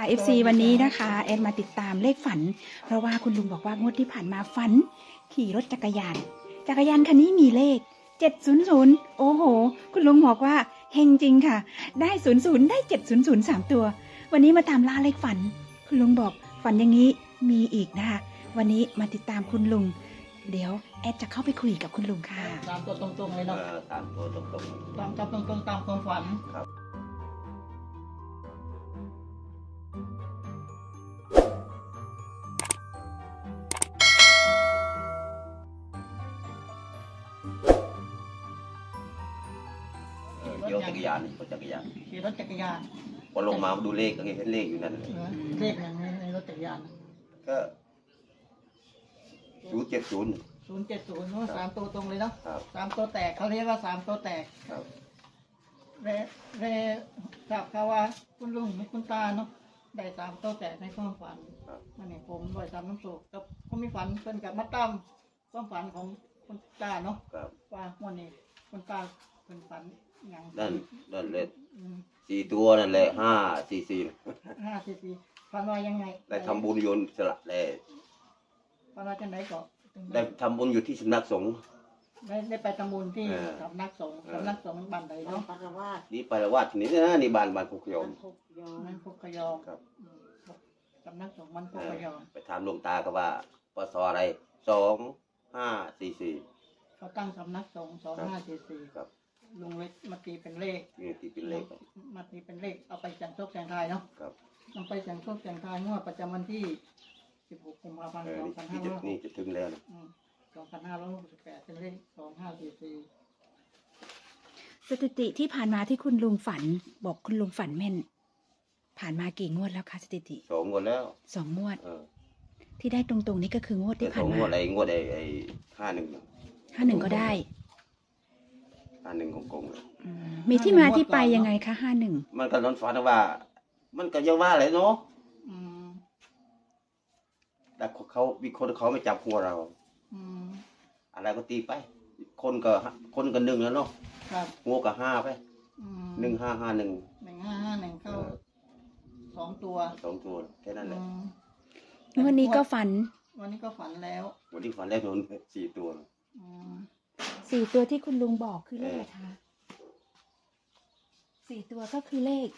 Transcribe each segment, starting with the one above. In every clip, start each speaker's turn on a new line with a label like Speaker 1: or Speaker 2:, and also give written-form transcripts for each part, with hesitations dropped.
Speaker 1: FC วันนี้นะคะแอดมาติดตามเลขฝันเพราะว่าคุณลุงบอกว่างวดที่ผ่านมาฝันขี่รถจักรยานคันนี้มีเลข700โอ้โหคุณลุงบอกว่าเฮงจริงค่ะได้00ได้700 3ตัววันนี้มาตามล่าเลขฝันคุณลุงบอกฝันอย่างนี้มีอีกนะคะวันนี้มาติดตามคุณลุงเดี๋ยวแอดจะเข้าไปคุยกับคุณลุงค่ะ
Speaker 2: ตามตัวตรงๆเลยเนาะ
Speaker 3: ตามตัวตรง
Speaker 2: ตามตรงๆตามความฝัน
Speaker 3: ๆครับเดี๋ยวจักรยานรถจักรยาน
Speaker 2: ขี่รถจักรยาน
Speaker 3: พอลงมาดูเลขก็เห็นเลขอยู่นั่นเลย
Speaker 2: เลขอย่างนี้ในรถจักรยาน
Speaker 3: ก็070
Speaker 2: 070เนาะ3ตัวตรงเลยเนาะ
Speaker 3: ครับ
Speaker 2: 3ตัวแตกเขาเรียกว่า3ตัวแตก
Speaker 3: ครับ
Speaker 2: เรทราบข่าวว่าคุณลุงคุณตาเนาะได้3ตัวแตกในความฝัน
Speaker 3: ครับ
Speaker 2: มันนี่ผมบ่อยทำน้ำสุกกับผมมีฝันเพิ่นกับมาตามความฝันของคุณตาเนาะ
Speaker 3: ครับ
Speaker 2: ว่าวันนี้คุณตาเพิ่นฝันอย่าง
Speaker 3: นั่นเลย
Speaker 2: อืม
Speaker 3: 4ตัวนั่นแหละ544
Speaker 2: 5 4ฝันว่ายังไง
Speaker 3: ได้ทำบุญโยนสละได้
Speaker 2: ฝันว่าจังไดก็
Speaker 3: ได้ทำบุญอยู่ที่สำนักสงฆ์
Speaker 2: ได้ไปทำบุญที่
Speaker 3: เออ
Speaker 2: สำนักสงฆ์สำนักสงฆ์บ้านใดเนาะ
Speaker 4: ปารวาส
Speaker 3: นี่ไปละวาดที่นี่นะนี่บ้านพุกโยม
Speaker 4: พกยอ
Speaker 2: มันพุกขยอม
Speaker 3: ครับ
Speaker 2: อืมสำนักสงฆ์มันพุกขยอม
Speaker 3: ไปถามหลวงตาก็ว่าปศอะไร2544
Speaker 2: เขาตั้งสำนักสงฆ์2544
Speaker 3: ครับ
Speaker 2: ลุงเล็กมาตีเป็นเลข
Speaker 3: นี่ที่เป็นเลข
Speaker 2: มาตีเป็นเลขเอาไปเสี่ยงโชคเสี่ยงทายเนาะ
Speaker 3: ครับ
Speaker 2: นำไปเสี่ยงโชคเสี่ยงทายงวดประจำวันที่16กุมภาพันธ์
Speaker 3: นี่จะถึงแล้วนะ
Speaker 2: 2568เป็นเลข2544
Speaker 1: สถิติที่ผ่านมาที่คุณลุงฝันบอกคุณลุงฝันแม่น ผ่านมากี่งวดแล้วคะสถิติ
Speaker 3: 2 งวดแล้ว
Speaker 1: 2 งวด
Speaker 3: เออ
Speaker 1: ที่ได้ตรงๆนี้ก็คืองวดที่
Speaker 3: ส
Speaker 1: ผ่า
Speaker 3: อนง
Speaker 1: มาง
Speaker 3: วดงวดไอ้51
Speaker 1: 51ก็ได้
Speaker 3: 51ของกงเลย
Speaker 1: มีที่มาที่ไปยังไงคะ51
Speaker 3: มันก็นอนฝันว่า มันก็ยังว่าเลยเนาะ
Speaker 2: อืม
Speaker 3: แต่เขามีคนเขาไม่จับหัวเรา
Speaker 2: อืม
Speaker 3: อะไรก็ตีไป คนก็1แล้วเนาะ
Speaker 2: ครับ
Speaker 3: หัวก็5ไป
Speaker 2: อืม
Speaker 3: 1551
Speaker 2: 1551เข้า2 ตัว
Speaker 3: 2 ตัวแค่นั้นแหละ
Speaker 1: งวดนี้ก็ฝัน
Speaker 2: วันนี้ก็ฝันแล้ว
Speaker 3: วันที่ฝันแรกโดน4 ตัว
Speaker 2: อืม
Speaker 1: 4 ตัวที่คุณลุงบอกคือเลขอะไรคะ4 ตัวก็คือเลข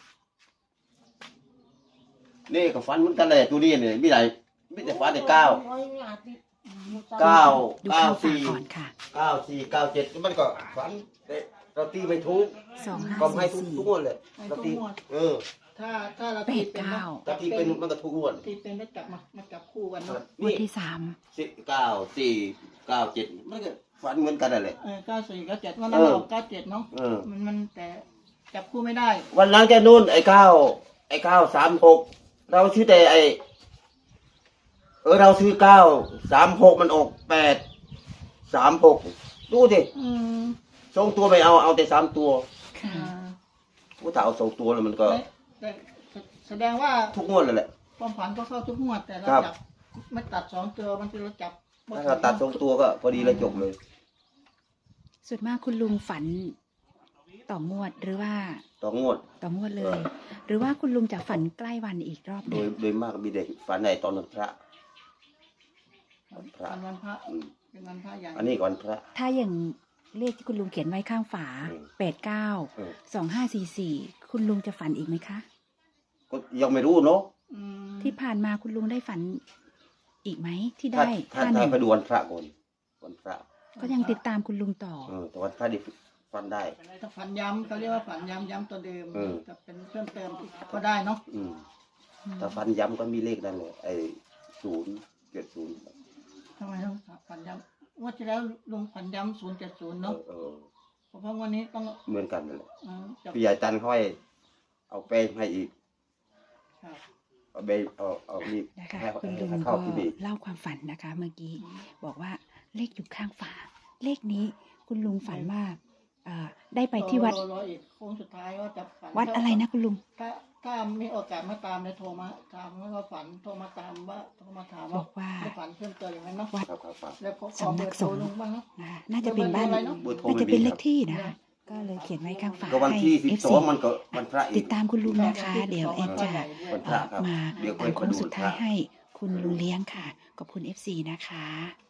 Speaker 3: นี่ก็ฝันเหมือนกันเลยตัวนี้เนี่ยมีอะไรมีแต่ฝันแต่9
Speaker 4: ร้อยงาติด
Speaker 1: ดูข้าวฝากก่อนค่ะ
Speaker 3: 94 97มันก็ฝันแต่เราตีไม่ถูก ก็ให้ทุกงวดเลย
Speaker 2: ให้
Speaker 3: เรา
Speaker 2: ทุก
Speaker 3: ตี
Speaker 2: งวด ถ้าเรา
Speaker 1: แป
Speaker 2: ตี
Speaker 1: ด
Speaker 2: เป็น
Speaker 1: เก้า
Speaker 2: เนาะ
Speaker 3: ถ้าตีเป็นมันก็ทุกงวด
Speaker 2: ตีเป็นแล้วจับมาจับคู่กันเนาะ
Speaker 1: งวด
Speaker 3: นี่
Speaker 1: ที่
Speaker 3: 9 4 9 7มันก็ฝันเหมือนกันนั่นแหละ
Speaker 2: 94 97วันนั้นเราออก97เนาะ
Speaker 3: เออ
Speaker 2: มันแต่จับคู่ไม่ได้
Speaker 3: วันนั้นแกนู่นไอ้936เราซื้อแต่เราซื้อ936มันออก836ดูสิ
Speaker 2: อืม
Speaker 3: 2 ตัวไม่เอาแต่3 ตัว
Speaker 1: 3ค่ะ
Speaker 3: ถ้าเอา2 ตัวแล้วมันก็
Speaker 2: แต่แสดงว่า
Speaker 3: ทุกงวดเลยแหละ
Speaker 2: ความฝันก็เข้าทุกงวดแต่เรา
Speaker 3: ครับ
Speaker 2: จับไม่ตัด2 ตัวบางทีเราจับ
Speaker 3: ถ้าเราตัด2 ตัวก็พอดีเลยจบเลย
Speaker 1: ส่วนมากคุณลุงฝันต่องวดหรือว่า
Speaker 3: ต่องวด
Speaker 1: ต่องวดเลย หรือว่าคุณลุงจะฝันใกล้วันอีกรอบห
Speaker 3: โด
Speaker 1: นึ่
Speaker 3: ย
Speaker 1: ง
Speaker 3: โดยมากมีเด็กฝันในตอนวันพระ
Speaker 2: เป็นวันพระ
Speaker 3: อืม
Speaker 2: เป็นวันพระอย่าง
Speaker 3: อันนี้ก่อนพระ
Speaker 1: ถ้าอย่างเลขที่คุณลุงเขียนไว้ข้างฝา
Speaker 3: อืม
Speaker 1: 89 2544คุณลุงจะฝันอีกไหมคะ
Speaker 3: ก็ยังไม่รู้เนาะ
Speaker 2: อืม
Speaker 1: ที่ผ่านมาคุณลุงได้ฝันอีกไหมที่
Speaker 3: ถ้า
Speaker 1: ได้
Speaker 3: ถ้าไปดูวันพระก่อนวันพระ
Speaker 1: ก็ยังติดตามคุณลุงต่อ
Speaker 3: แต่วันพระดิฝันได้
Speaker 2: ถ้าฝันย้ำเขาเรียกว่าฝันย้ำตัวเดิม
Speaker 3: อืม
Speaker 2: จะเป็นเพิ่มเติมอีกก็ได้เนาะ
Speaker 3: อืมถ้าฝันย้ำก็มีเลขนั่นเลย070
Speaker 2: ทำไมต้องฝันย้ำงวดที่แล้วลุงฝันย้ำ070เนาะ เพราะวันนี้ต้อง
Speaker 3: เหมือนกันนั่นแหละ
Speaker 2: จับ
Speaker 3: พี่ใหญ่ตันค่อยเอาแป้งให้อีก
Speaker 2: ครับ
Speaker 3: เอาไปเอานี่
Speaker 1: นะคะ
Speaker 3: ให้
Speaker 1: คุณลุง
Speaker 3: ให้
Speaker 1: ก็
Speaker 3: เข้าที่นี่
Speaker 1: เล่าความฝันนะคะ เมื่อกี้บอกว่าเลขอยู่ข้างฝา เลขนี้คุณลุงฝันว่าได้ไปที่วัด
Speaker 2: รออีกโค้งสุดท้ายว่าจะฝัน
Speaker 1: วัดอะไรนะคุณลุง
Speaker 2: ถ้ามีโอกาสมาตามเนี่ยโทรมาถามว่าฝันโทรมาตามว่าโทรมาถาม
Speaker 1: บอกว่า
Speaker 2: ได้ฝันเพิ่มเติมอย่างนั้นเนาะ
Speaker 1: วัด
Speaker 3: ครับ
Speaker 2: แล้วขอ
Speaker 1: สำนั
Speaker 2: เบอก ร์โทร
Speaker 1: สงฆ์
Speaker 2: ลุงบ้างเนาะ
Speaker 1: น่าจะเป็นบ้าน
Speaker 2: เบอร์อะไรเนอะ
Speaker 3: เบอร์โทร
Speaker 1: น่า
Speaker 3: ไม่
Speaker 1: จะ
Speaker 3: มี
Speaker 1: เป็นเล
Speaker 3: ครั
Speaker 1: ข
Speaker 3: บ
Speaker 1: ที่นะคะก็เลยเขียนไว้ข้างฝา
Speaker 3: ก็วัน
Speaker 1: ให้
Speaker 3: ที่
Speaker 1: FC
Speaker 3: 12มันก็วันพระอี
Speaker 1: ติ
Speaker 3: ก
Speaker 1: ดตามคุณลุงนะคะ เดี๋ยวแอดจะ
Speaker 3: วันพระครับ
Speaker 1: มา
Speaker 3: เดี๋ยว
Speaker 1: ตามโค้ง
Speaker 3: ไปดู
Speaker 1: สุดท้าย
Speaker 3: พระ
Speaker 1: ให้คุณลุงเลี้ยงค่ะขอบคุณ FC นะคะ